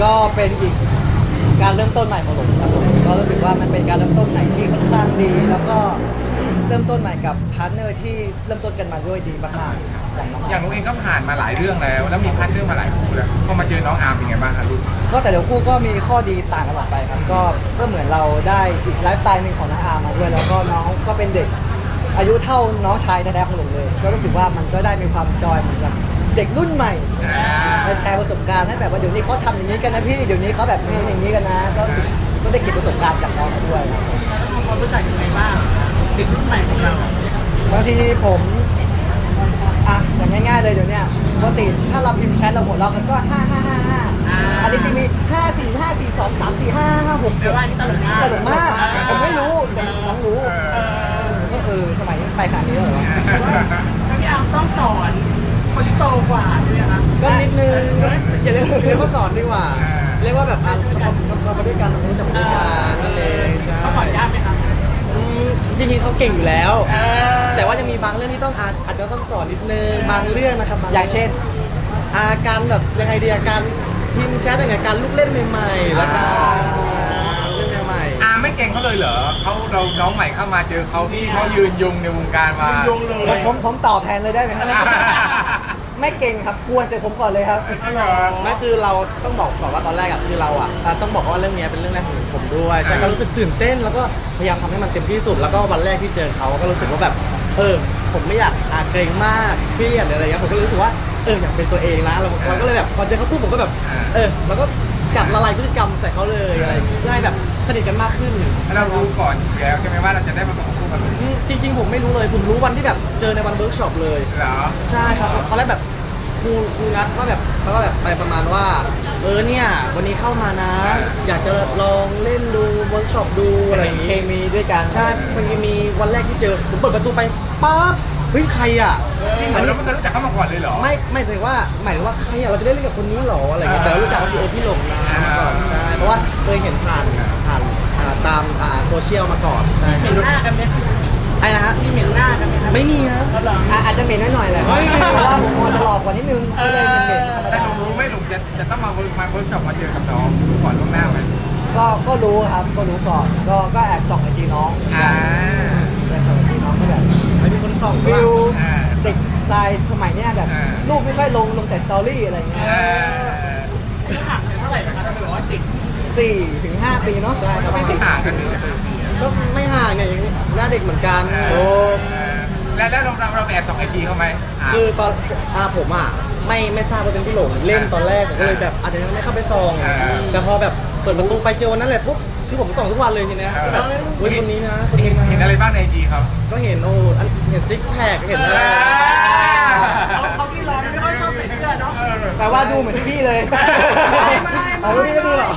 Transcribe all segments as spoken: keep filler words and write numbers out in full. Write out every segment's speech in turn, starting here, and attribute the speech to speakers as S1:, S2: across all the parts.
S1: ก็เป็นอีกการเริ่มต้นใหม่ของผมครับผมก็รู้สึกว่ามันเป็นการเริ่มต้นใหม่ที่ค่อนข้างดีแล้วก็เริ่มต้นใหม่กับพาร์ทเนอร์ที่เริ่มต้นกันมาด้วยดีมากๆอย่างน้อง
S2: อย่างนุ้งเองก็ผ่านมาหลายเรื่องแล้วแล้วมีพันเรื่องมาหลายคู่แล้วพอมาเจอน้องอาร์มเป็นไงบ้างครับลูก
S1: ก็แต่ละคู่ก็มีข้อดีต่างกันออกไปครับก็ก็เหมือนเราได้อีกไลฟ์สไตล์หนึ่งของน้องอาร์มมาด้วยแล้วก็น้องก็เป็นเด็กอายุเท่าน้องชายแท้ๆของผมเลยก็รู้สึกว่ามันก็ได้มีความจอยเหมือนกับเด็กรุ่นใหม่มาแชร์ประสบการณ์ให้แบบว่าเดี๋ยวนี้เขาทำอย่างนี้กันนะพี่เดี๋ยวนี้เขาแบบนี้อย่างนี้กันนะก็รู้สึกก็ได้เก็บประสบการณ์จากน้องมาด้วยครับ
S3: ความรู้จักยังไงบ้างเด็กรุ่นใหม่ของเรา
S1: บางทีผมอ่ะอย่างง่ายๆเลยเดี๋ยวนี้ปกติถ้าเราพิมพ์แชทเราหัวเราะกันก็ห้าห้าห้าห้าอันนี้จะมีห้าสี่ห้าสี่สองสามสี่ห้าห้าหกเจ็ดตลกมากตลกมากผมไม่รู้แต่น้องรู้ก็เออสมัยนี้ไปขนาดนี้แล้วเหรอ
S3: แล้วพี่อาร์มต้องสอนคนที่โตกว่าใช่ไหมคะ
S1: ก็นิดนึงอย่าเรียกเรียกว่าสอนดีกว่าเรียกว่าแบบอ่ะเรามาด้วยกันรู้จักด้วยกันนั่นเอง
S3: เขาสอนยากไหมคะ
S1: จริงๆเขาเก่งอยู่แล้วแต่ว่าจะมีบางเรื่องที่ต้องอาจจะต้องสอนนิดนึงบางเรื่องนะครับอย่างเช่นอาการแบบยังไงดีอาการพิมพ์แชทยังไงการลูกเล่นใหม่ๆแล้วก็เรื่องใหม่
S2: ๆอาไม่เก่งเขาเลยเหรอเขาเราน้องใหม่เข้ามาเจอเขาที่เขายืนยงในวงการมา
S1: ผมผมตอบแทนเลยได้ไหมครับไม่เก่งครับกวนเสร็จผมก่อนเลยครับไม่คือเราต้องบอกก่อนว่าตอนแรกอ่ะคือเราอ่ะต้องบอกว่าเรื่องนี้เป็นเรื่องแรกของผมด้วยใช่ก็รู้สึกตื่นเต้นแล้วก็พยายามทำให้มันเต็มที่สุดแล้วก็วันแรกที่เจอเขาก็รู้สึกว่าแบบเออผมไม่อยากอาเกรงมากเครียดอะไรเงี้ยผมก็รู้สึกว่าเอออยากเป็นตัวเองนะเราก็เลยแบบพอเจอเขาปุ๊บผมก็แบบเออแล้วก็จัดละลายพฤติกรรมใส่เขาเลยอะไรเพื่อให้แบบสนิทกันมากขึ้น
S2: เรารู้ก่อนแล้วใช่ไหมว่าเราจะได้มาประกบคู่กัน
S1: จริงๆผมไม่รู้เลยผมรู้วันที่แบบเจอในวันเวิร์กช็อปเลย
S2: เหรอ
S1: ใช่ครับตอนแรกแบบครูครูนัดว่าแบบแล้วก็แบบไปประมาณว่าเออเนี่ยวันนี้เข้ามานะอยากจะลองเล่นดูเวิร์กช็อปดูอะไรอย่างงี้เคมีด้วยกันใช่เคมีวันแรกที่เจอผมเปิดประตูไปปั๊บเฮ้ยใครอ่ะ
S2: จริงเหรอเราไม่เคยรู้จักเขามาก่อนเลยเหรอ
S1: ไม่ไม่ถึงว่าหมายถึงว่าใครอ่ะเราจะได้เล่นกับคนนี้หรออะไรเงี้ยแต่รู้จักว่าคือเออพี่หลงมาก่อนใช่เพราะว่าเคยเห็นผ่านผ่านตามโซเชียลมาก่อนใช่
S3: เห็นหน้ากันไหม
S1: ไอ้นะฮะ
S3: มีเหม็นหน้ากันไหมครับ
S1: ไม่มีครับอาจจะเหม็นหน่อยแหละเพราะว่าผมมองจะหลอกกว่านิดนึงก็เลยเหม็น
S2: แต่หนูรู้ไม่หนูจะจะต้องมาเวิร์กมาเวิร์กช็อปมาเจอกับน้องก่อนล่วงหน้าไหม
S1: ก็ก็รู้ครับก็รู้ก่อนก็ก็แอบส่องไอจีน้อง
S2: อ่า
S1: แต่ส่องไอจีน้องก็แบบไม่มีคนส่องฟิลเด็กสไตล์สมัยเนี้ยแบบรูปไม่ค่อยลงลงแต่สตอรี่อะไรเงี้ย
S3: อายุห่างกันเท่าไหร่นะคะถ้าเป็นว่าติด
S1: สี่ถึงห้าปีเนาะ
S2: ใช่ครับไม่ห่างกันเลย
S1: ก็ไม่ห่างเนี่ยหน้าเด็กเหมือนกันโอ้
S2: แล้วแล้วเราเราแอบส่องไอจีเขาไหม
S1: คือตอนอาผมอ่ะไม่ไม่ทราบว่าเป็นพี่หลงเล่นตอนแรกผมก็เลยแบบอาจจะยังไม่เข้าไปส่องแต่พอแบบเปิดประตูไปเจอวันนั้นแหละปุ๊บคือผมส่องทุกวันเลยทีเนี้ยแบบเฮ้ยคนนี้นะ
S2: เห็นเห็นอะไรบ้างในไอจีเขา
S1: ก็เห็นโอ้เห็นซิกแพคเห็นอะไร
S3: เขาเขาที่ร้อนไม่ค่อยชอบใส่เสื้อเนาะ
S1: แปลว่าดูเหมือนพี่เลยเอาพี่ก็ดูหรอ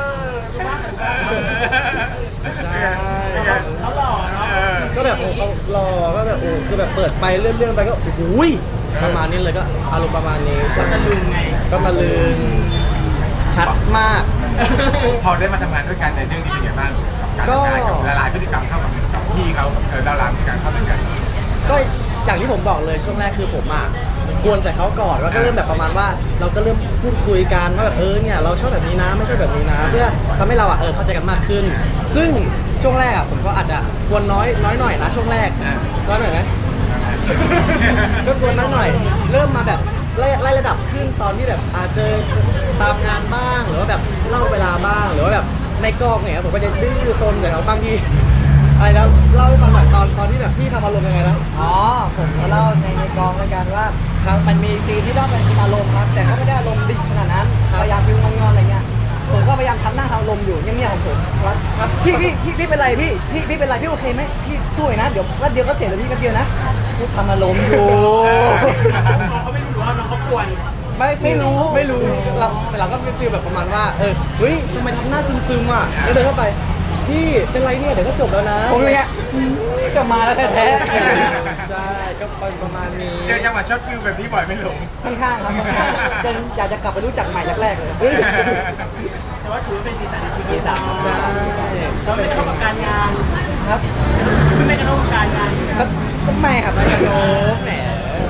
S3: เขาหล่อเนาะ
S1: ก็แบบเขาหล่อก็แบบโอ้คือแบบเปิดไปเรื่องๆไปก็โอ้โหประมาณนี้เลยก็อารมณ์ประมาณนี้
S3: ก็ตะลึงไง
S1: ก็ตะลึงชัดมาก
S2: พอได้มาทำงานด้วยกันในเรื่องนี้เป็นยังไงบ้างกับการทำงานกับละลายพฤติกรรมเข้ากับพี่เขาเออดาราพฤติกรรมเข้าด้วยกัน
S1: ก็อย่างที่ผมบอกเลยช่วงแรกคือผมอ่ะกวนใส่เขาก่อนแล้วก็เริ่มแบบประมาณว่าเราก็เริ่มพูดคุยกันว่าแบบเออเนี่ยเราชอบแบบนี้นะไม่ชอบแบบนี้นะเพื่อทำให้เราอ่ะเออเข้าใจกันมากขึ้นซึ่งช่วงแรกอ่ะผมก็อาจจะกวนน้อยน้อยหน่อยนะช่วงแรกน้อยหน่อยไหมก็กวนน้อยหน่อยเริ่มมาแบบไล่ไล่ระดับขึ้นตอนที่แบบอาจเจอตามงานบ้างหรือว่าแบบเล่าเวลาบ้างหรือว่าแบบในกองเนี่ยผมก็จะดื้อซนแต่เขาบางทีอะไรแล้วเล่าให้ฟังหน่อยตอนตอนที่แบบพี่ทำอารมณ์ยังไงนะอ๋อผมก็เล่าในในกองในการว่าครับมันมีซีนที่ต้องเป็นซีนอารมณ์ครับแต่ก็ไม่ได้อารมณ์ดิบขนาดนั้นพยายามฟิลงอนๆอะไรเงี้ยผมก็พยายามทำหน้าทำอารมณ์อยู่เงียบๆของผมว่าพี่พี่พี่พี่เป็นไรพี่พี่พี่เป็นไรพี่โอเคไหมพี่สวยนะเดี๋ยววันเดียวก็เสร็จแล้วพี่วันเดียวนะพูดทำอารมณ์อยู่
S3: เขาไม่รู้หรือว่าน้องเขากวน
S1: ไม่ไม่รู้ไม่รู้เราแต่เราก็ฟีลแบบประมาณว่าเออเฮ้ยทำไมทำหน้าซึมๆอ่ะแล้วเดินเข้าไปพี่เป็นไรเนี่ยเดี๋ยวก็จบแล้วนะผมเนี่ยจะมาแล้วแท้ๆใช่ก็ประมาณนี้
S2: เจอจังหวะช็อตฟิลแบบนี้บ่อยไม่หลง
S1: ค่อนข้างครับจนอยากจะกลับไปรู้จักใหม่แรกๆเลย
S3: แต่ว่าถือเป็นสีสันในชีวิตใช่ก็ไม่กระทบกับการงาน
S1: ครับ
S3: ไม่กระทบกับการงาน
S1: ก็ไม่ครับไม่กระทบแหม
S2: คือ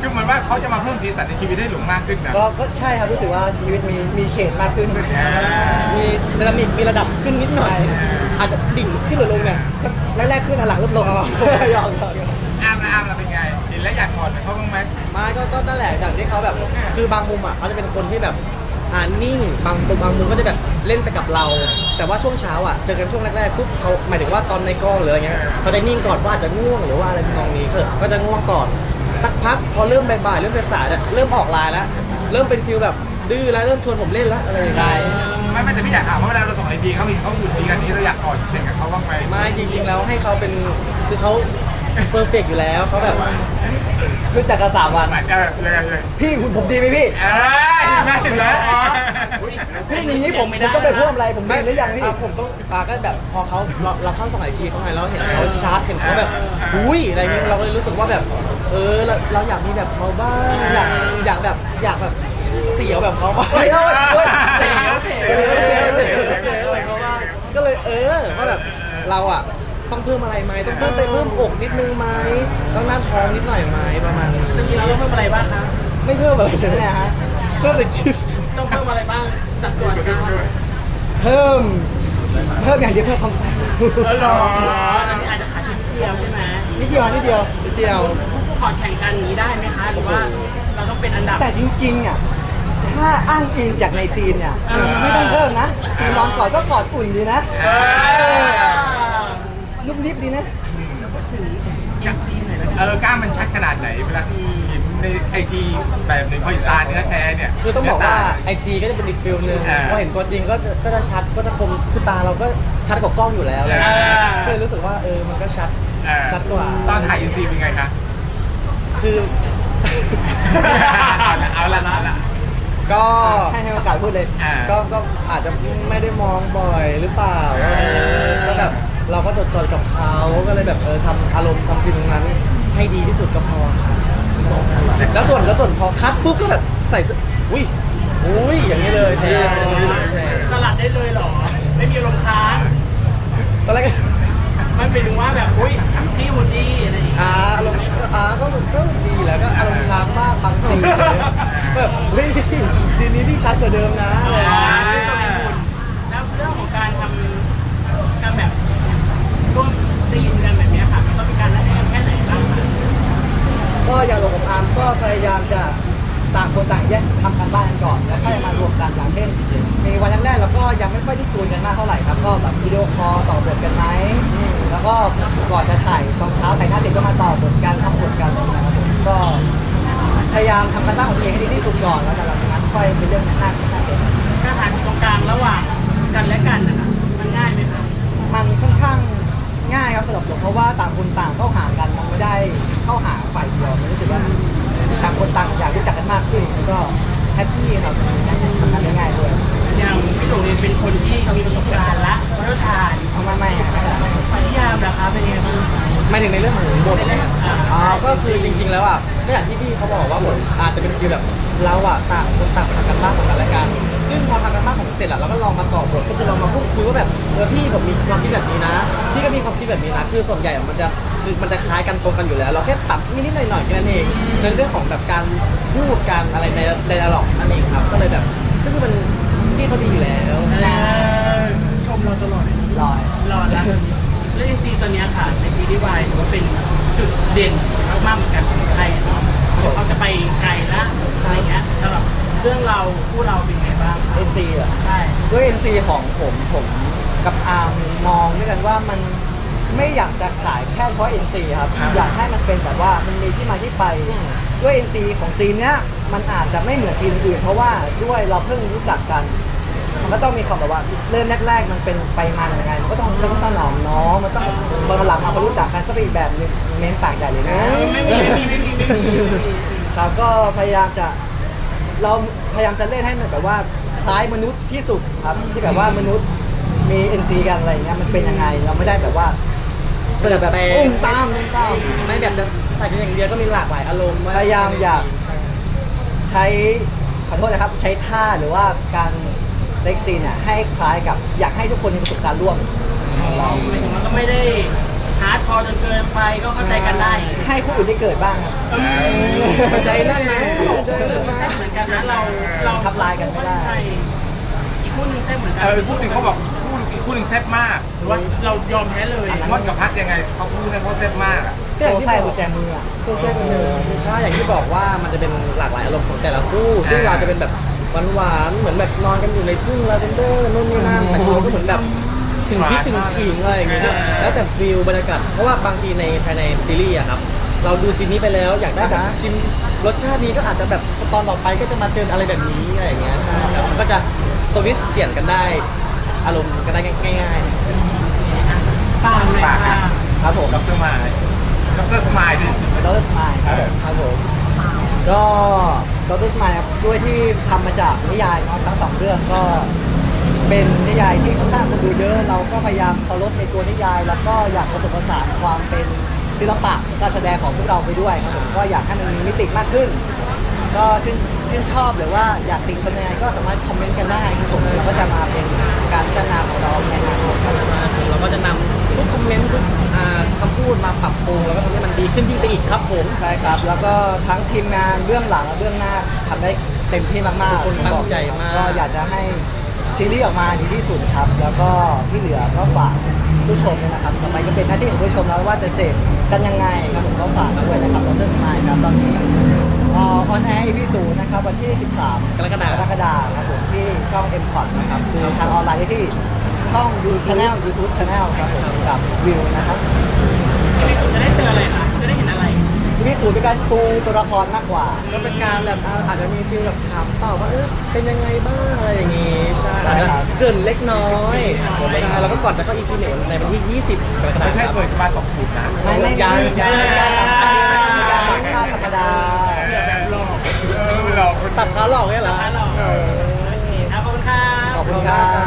S2: เหมือนว่าเขาจะมาเพิ่มสีสันในชีวิตให้หลงมากขึ้นนะ
S4: ก็ก็ใช่ครับรู้สึกว่าชีวิตมีมีเฉดมากขึ้น
S2: อ่า
S1: มีดินามิกมีระดับขึ้นนิดหน่อย อาจจะดิ่งขึ้นหรือลงเนี่ย
S4: แรกๆขึ้นหลังๆเริ่มลง
S1: ยอมยอมยอม
S2: อาร์มละอาร์มละเป็นไงเห็นแล้วอยากกอดเหมือนเขาบ้างไหม
S1: ไม่ก็ก็นั่นแหละอย่างที่เขาแบบคือบางมุมอ่ะเขาจะเป็นคนที่แบบอ่านิ่งบางบางมุมก็จะแบบเล่นไปกับเรา แต่ว่าช่วงเช้าอ่ะเจอกันช่วงแรกๆปุ๊บเขาหมายถึงว่าตอนในกล้องหรืออะไรเงี้ยเขาจะนิ่งก่อนว่าอาจจะง่วงหรือว่าอะไรทำนองนี้คือก็จะง่วงก่อนสักพักพอเริ่มบ่ายๆเริ่มสายๆเนี่ยเริ่มออกไลน์แล้วเริ่มเป็นฟิลแบบดื้อแล้วเริ่มชวนผมเล่นแล้วอะไรอย่างเงี้ย
S2: ไม่ไม่แต่พี่อยากถามว่าเวลาเราส่งไอดีเขาเห็นเขาอยู่ดีกันนี้เราอยากกอดเช่นกับเขาบ้างไหม
S1: ไม่จริงๆแล้วให้เขาเป็นคือเขาเฟอร์เฟกอยู่แล้วเขาแบบ
S4: รู้จักกันสามวัน
S2: เออเลยเลย
S4: พี่หุ่นผมดีไหมพี่
S2: เอ้ยน่าเห็นแล้วอ๋อ
S4: พี่อย่างนี้ผมผมต้องไปเพิ่มอะไรผมดีหรือยังพี่
S1: อ่ะผมต้องอ่ะก็แบบพอเขาเราเราเข้าสมัยทีเขาไงเราเห็นเขาชาร์จเห็นเขาแบบอุ้ยอะไรเงี้ยเราก็เลยรู้สึกว่าแบบเออเราเราอยากมีแบบเขาบ้างอยากอยากแบบอยากแบบเสียวแบบเขาบ้าง
S4: เฮ้ยเฮ้ยเฮ้ย
S1: เสียวเสียวเสียวเสียวเสียวอะไรเขาบ้างก็เลยเออว่าแบบเราอ่ะต้องเพิ่มอะไรไหมต้องเพิ่มไปเพิ่มอกนิดนึงไหมต้องหน้าท้องนิดหน่อยไหมประมาณนี้
S3: จะมีเราต้องเพิ่มอะไรบ้างคะ
S1: ไม่เพิ่มอะไรเล
S4: นั่นแห
S1: ย
S4: ละฮะ
S1: เพิ่มแต่คิด
S3: ต้องเพิ่มอะไรบ้างสัดส่วนกัน
S4: เพิ่ม เพิ่มอย่างเดียวเพิ่มความใส
S3: เออหรออันนี้อาจจะขาดนิดเดียวใช่ไหม
S4: นิดเดียวนิดเดียว
S1: นิดเดียว
S3: พอร์ตแข่งกันนี้ได้ไหมคะ หรือว่าเราต้องเป็นอันดับ
S4: แต่จริงๆอ่ะถ้าอ้างอิงจากในซีนเนี่ย
S3: เออ
S4: ไม่ต้องเพิ่มนะซีนนอนกอดก็กอดอุ่นดีนะ
S2: เออ
S4: นุ่มนิบดีนะ
S3: เอ็นซีหน่อยแล้ว
S2: เออกล้ามมันชัดขนาดไหนเวลาเห็นในไอจีแบบหนึ่งพอเห็นตาเนื้อแท้เนี่ย
S1: คือต้องบอกว่าไอจีก็จะเป็นอีกฟิลนึง
S2: อ่า
S1: พอเห็นตัวจริงก็จะก็จะชัดก็จะคมคือตาเราก็ชัดกว่ากล้องอยู่แล้ว
S2: อ่า
S1: ก็เลยรู้สึกว่าเออมันก็ชัด
S2: เออ
S1: ชัดกว่า
S2: ตอนถ่ายอินซีเป็นไงคะ
S1: คือ
S2: เอาละเอาละเอาละ
S1: ก็
S4: ให้ให้โอกาสพูดเลย
S2: อ่า
S1: ก็ก็อาจจะไม่ได้มองบ่อยหรือเปล่าเออก็แบบเราก็จดจ่อกับเขาก็เลยแบบเออทำอารมณ์ทำสิ่งตรงนั้น ให้ดีที่สุดก็พอค่ะแล้วส่วนแล้วส่วนพอคัดปุ๊บก็แบบใส่เสื้ออุ้ยอุ้ยอย่างนี้เลยเท่
S3: สลัดได้เลยเหรอ ไม่มีลมณ์ค้าง
S1: ตอนแรกก็
S3: มันเป็นถึงว่าแบบอุ้ยพี่วูดดี้อะไรอย่างเงี้ย
S1: อ่าอารมณ์ก็อ่าก็ก็ดีแหละก็อารมณ์ช้างมากบางซีนอะไรเงี้ยแบบเฮ้ยซีนนี้พี่ชัดกว่าเดิมนะอะไรอย่างเงี้ย
S3: แล้วเรื่องของการทำการแบบร่วมตีมกันแบบเนี้ยค่ะมันต้องมีการนัดแนะแค่ไหนบ้างคะ
S4: ก็อย่างลงกับอาร์มก็พยายามจะต่างคนต่างแยกทำกันบ้านกันก่อนแล้วค่อยมารวมกันอย่างเช่น มีวันแรกๆเราก็ยังไม่ค่อยได้จูนกันมากเท่าไหร่ครับก็แบบวิดีโอคอลต่อบทกันไหมแล้วก็ก่อนจะถ่ายตอนเช้าถ่ายหน้าเสร็จก็มาต่อบทกันทำบทกันอะไรอย่างเงี้ยครับผมก็พยายามทำกันบ้านของตัวเองให้ดีที่สุดก่อนแล้วจากนั้นค่อยเป็นเรื่องหน้าหน้าเสร็จ
S3: การถ่ายตรงกลางระหว่างกันและกันนะคะมันง่ายไหมคะ
S4: มันค่อนข้างง่ายครับสำหรับผมเพราะว่าต่างคนต่างเข้าหากันมันไม่ได้เข้าหาฝ่ายเดียวมันรู้สึกว่าต่างคนต่างอยากรู้จักกันมากขึ้นแล้วก็แฮปปี้ครับทำงานได้ง่ายด้วย
S3: อย่างพี่หลงเนี่ยเป็นคนที่มีประสบการณ์และเชี่ยวชาญ
S4: เอาไม่ไม่ไม่ไม่
S3: นิยามเหรอคะเป็นยังไงบ้าง
S1: ไม่ถึงในเรื่องของบท
S3: ในเรื่องอ่า
S1: อ่าก็คือจริง ๆ แล้วอ่ะก็อย่างที่พี่เขาบอกว่าบทอาจจะเป็นฟีลแบบเราอ่ะต่างคนต่างทำกันบ้านของกันและกันซึ่งพอทำกันบ้านของเสร็จอ่ะเราก็ลองมาต่อบทก็คือลองมาพูดคุยว่าแบบเออพี่ผมมีความคิดแบบนี้นะ พี่ก็มีความคิดแบบนี้นะคือส่วนใหญ่อะมันจะคือมันจะคล้ายกันตรงกันอยู่แล้ว เราแค่ปรับนิดๆหน่อยๆแค่นั้นเองในเรื่องของแบบการพูดการอะไรในในดิอะล็อกนั่นเองครับก็เลยแบบก็คือมันพี่เขาดีอยู่แล้ว
S3: เออชมเราตลอด
S4: ลอย
S3: รอดแล้วเรื่องซีตัวเนี้ยค่ะในซีรีส์วายถือว่าเป็นจุดเด่นมากๆเหมือนกันของไทยเนาะเขาจะไปไกลละอะไรเงี้ยสำหรับเรื่องเราคู่เราเป็นไงบ้าง
S4: เอ็นซีเหรอ
S3: ใช่
S4: ด้วย เอ็น ซี ของผมผมกับอาร์มมองด้วยกันว่ามันไม่อยากจะขายแค่เพราะ เอ็น ซี ครับ อยากให้มันเป็นแบบว่ามันมีที่มาที่ไปด้วย เอ็น ซี ของซีนเนี้ยมันอาจจะไม่เหมือนซีนอื่นเพราะว่าด้วยเราเพิ่งรู้จักกัน มันก็ต้องมีความแบบว่าเริ่มแรก ๆ มันเป็นไปมาอย่างไงมันก็ต้องต้องต้องหนอมน้องมันต้องตอนหลังมาพอรู้จักกันก็เป็นอีกแบบหนึงเม้นปากใหญ่เลยนะ
S3: ไม่มีไม่มีไม่มีไม่มีไม่มี
S4: ครับก็พยายามจะเราพยายามจะเล่นให้มันแบบว่าคล้ายมนุษย์ที่สุดครับที่แบบว่ามนุษย์มี เอ็น ซี กันอะไรอย่างเงี้ยมันเป็นยังไงเราไม่ได้แบบว่าเสิร์ฟแบบอุ้มตามตุ้มตาม
S1: ไม่แบบจะใส่กันอย่างเดียวก็มีหลากหลายอารมณ์
S4: พยายามอยากใช้ขอโทษนะครับใช้ท่าหรือว่าการเซ็กซี่เนี่ยให้คล้ายกับอยากให้ทุกคนมีประสบการณ์ร่วม
S3: หมายถึงว่าก็ไม่ได้ฮาร์ดคอร์จนเกินไปไปก็เข้าใจกันได้
S4: ให้คู่อื่นได้เกิดบ้างครับ
S1: ใจนั่นนะใจนั่นนะ
S3: เหมือนกันนะเราเรา
S4: ทับลายกันไม่ได้
S3: อีกคู่หนึงแซ่บเหมือนกั
S2: เออคู่หนึ่งเขาบอกคู่อีกคู่หนึ่งแซ่บมาก
S3: หรือว่าเรายอมแพ้เลย
S2: มอนกับพัดยังไงเขาพูดเนี่ยเขาแซ่บมากอะ
S4: ก็อย่างที่ใส่กุญแจมืออะ
S1: โซเซ่กันเจอใช่อย่างที่บอกว่ามันจะเป็นหลากหลายอารมณ์ของแต่ละคู่ซึ่งเราจะเป็นแบบหวานๆเหมือนแบบนอนกันอยู่ในทุ่งลาเวนเดอร์นู่นนี่นั่นแต่เขาก็เหมือนแบบถึงพริกถึงขิงอะไรอย่างเงี้ยแล้วแต่ฟิลบรรยากาศเพราะว่าบางทีในภายในซีรีส์อะครับเราดูซีนนี้ไปแล้วอยากได้แบบชิมรสชาตินี้ก็อาจจะแบบตอนต่อไปก็จะมาเจออะไรแบบนี้อะไรอย่างเงี้ยใช่ครับมันก็จะสวิตช์เปลี่ยนกันได้อารมณ์กันได้ง่ายๆ
S3: ปางเลยค่ะ
S4: ครับผม
S2: ดรมาดรสมายดิ
S4: ดรสมายครับผมครับผมก็ดรสมายครับด้วยที่ทำมาจากนิยายเนาะทั้งสองเรื่องก็เป็นนิยายที่ค่อนข้างคนดูเยอะเราก็พยายามเคารพในตัวนิยาย แล้วก็อยากผสมผสานความเป็นศิลปะการแสดงของพวกเราไปด้วยครับผมก็อยากให้มันมีมิติมากขึ้น ก็ชื่นชื่นชอบหรือว่าอยากติชมยังไงก็สามารถคอมเมนต์กันได้ครับผมเราก็จะมาเป็นการพัฒนาของเราในอนาคตครับ
S1: ใช่ครับเราก็จะนำทุกคอมเมนต์ทุกอ่าคำพูดมาปรับปรุงแล้วก็ทำให้มันดีขึ้นยิ่งไปอีกครับผม
S4: ใช่ครับ แล้วก็ทั้งทีมงานเบื้องหลังและเบื้องหน้าทำได้เต็มที่มากๆ
S1: ทุกคนตั้งใจมาก
S4: ก็อยากจะให้ซีรีส์ออกมาดีที่สุดครับ แล้วก็ที่เหลือก็ฝากผู้ชมด้วยนะครับต่อไปก็เป็นหน้าที่ของผู้ชมแล้วว่าจะเสพกันยังไงครับผมก็ฝากด้วยนะครับดรสมายครับตอนนี้ออนแอร์ อี พี ศูนย์นะครับวันที่ สิบสาม
S1: กรกฎาคม
S4: กรกฎาคมครับผมที่ช่อง เอ็ม คอท นะครับคือทางออนไลน์ได้ที่ช่องดูชาแนล YouTube Channel ครับผมกับวิวนะครับ
S3: ที่สุดจะได้เจออะไรคะจะได้เห็นอะไร
S4: อี พี ศูนย์เป็นการปูตัวละครมากกว่า
S1: ก็เป็นการแบบอ่าอาจจะมีฟิลแบบถามตอบว่าเออเป็นยังไงบ้างอะไรอย่างงี้ใช่
S4: ใช่
S1: อาจจะ
S4: ครับ
S1: เกริ่นเล็กน้อยใช่แล้วก็ก่อนจะเข้า อี พี หนึ่งในวันที่ ยี่สิบกรกฎาคม
S2: ไม่ใช่เปิดมาตกผุดนะ
S4: ไม่ไม่
S1: ยัง
S4: ไม่
S1: ยัง
S4: มีการสัมภาษณ์มีการสัมภาษณ์ธรรมดา
S3: เผื่อแบบหลอก
S2: เออหลอกคน
S1: สับขาหลอกเนี่ยเหรอ
S3: สับขาหลอก
S1: เออ
S3: โอเคครับขอบคุณค่ะ
S4: ขอบคุณครับ